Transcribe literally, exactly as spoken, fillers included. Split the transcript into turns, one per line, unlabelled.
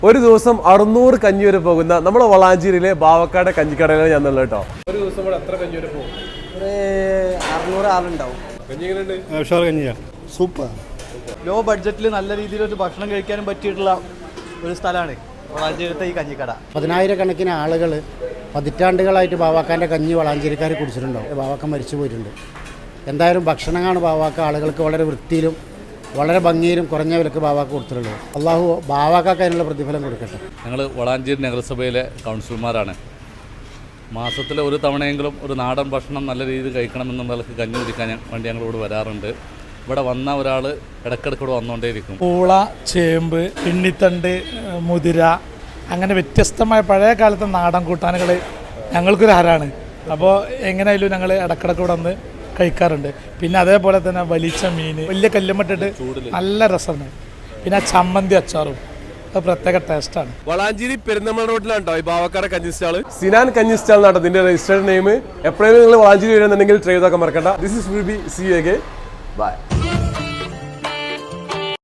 ഒരു ദിവസം അറുന്നൂറ് കഞ്ഞി വരെ പോകുന്ന നമ്മുടെ വളാഞ്ചേരിയിലെ ബാവക്കാട് കഞ്ഞിക്കടയിലാണ് ഞാൻ ഉള്ളത് കേട്ടോ. ഒരു ദിവസം ഇവിടെ എത്ര കഞ്ഞി വരെ പോകും?
ഒരു അറുന്നൂറ് ആളുണ്ടാവും.
കഞ്ഞി എങ്ങനെയുണ്ട്?
കഞ്ഞിയാ സൂപ്പർ.
ലോ ബഡ്ജറ്റിൽ നല്ല രീതിയിൽ ഒരു ഭക്ഷണം കഴിക്കാനും പറ്റിയിട്ടുള്ള ഒരു സ്ഥലമാണ് വളാഞ്ചേരിത്തെ ഈ കഞ്ഞിക്കട.
പതിനായിരക്കണക്കിന് ആളുകൾ പതിറ്റാണ്ടുകളായിട്ട് ബാവാക്കാൻ്റെ കഞ്ഞി വളാഞ്ചേരിക്കാർ കുടിച്ചിട്ടുണ്ടാവും. ബാവാക്ക മരിച്ചു പോയിട്ടുണ്ട്. എന്തായാലും ഭക്ഷണമാണ് ബാവാക്ക ആളുകൾക്ക് വളരെ വൃത്തിയിലും വളരെ ഭംഗിയിലും കുറഞ്ഞ വിലക്ക് ബാവാക്ക കൊടുത്തിട്ടുള്ളത്. അള്ളാഹു ബാവാക്കാക്ക് അതിനുള്ള പ്രതിഫലം കൊടുക്കട്ടെ.
ഞങ്ങൾ വളാഞ്ചേരി നഗരസഭയിലെ കൗൺസിലർമാരാണ്. മാസത്തിലെ ഒരു തവണയെങ്കിലും ഒരു നാടൻ ഭക്ഷണം നല്ല രീതിയിൽ കഴിക്കണമെന്നുള്ളവർക്ക് കഞ്ഞി കുടിക്കാൻ വേണ്ടി ഞങ്ങളോട് വരാറുണ്ട്. ഇവിടെ വന്ന ഒരാൾ ഇടയ്ക്കിടയ്ക്കൂടെ വന്നുകൊണ്ടേയിരിക്കും.
പൂള, ചേമ്പ്, പിണ്ണിത്തണ്ട്, മുതിര, അങ്ങനെ വ്യത്യസ്തമായ പഴയ കാലത്തെ നാടൻ കൂട്ടാനുകൾ ഞങ്ങൾക്കൊരു ഹരാണ്. അപ്പോൾ എങ്ങനെയായാലും ഞങ്ങൾ ഇടയ്ക്കിടയ്ക്ക് ഇവിടെ വന്ന് കഴിക്കാറുണ്ട്. പിന്നെ അതേപോലെ തന്നെ വലിച്ച മീൻ വലിയ കല്ലുമ്മട്ടിട്ട് നല്ല രസമാണ്. പിന്നെ ചമ്മന്തി അച്ചാറും അത് പ്രത്യേക ടേസ്റ്റാണ്.
വളാഞ്ചേരി പെരുന്തമണ്ണ റോഡിലാണ് കേട്ടോ ഈ ബാവക്കാട് കഞ്ഞി സ്റ്റാൾ. സിനാൻ കഞ്ഞി സ്റ്റാൾ എന്നാണ് ഇതിന്റെ രജിസ്റ്റേർഡ് നെയിം. എപ്പോഴെങ്കിലും നിങ്ങൾ വളാഞ്ചേരി വരുന്നുണ്ടെങ്കിൽ ട്രൈ ചെയ്തൊക്കെ മറക്കണ്ട. This is will be see you again. By.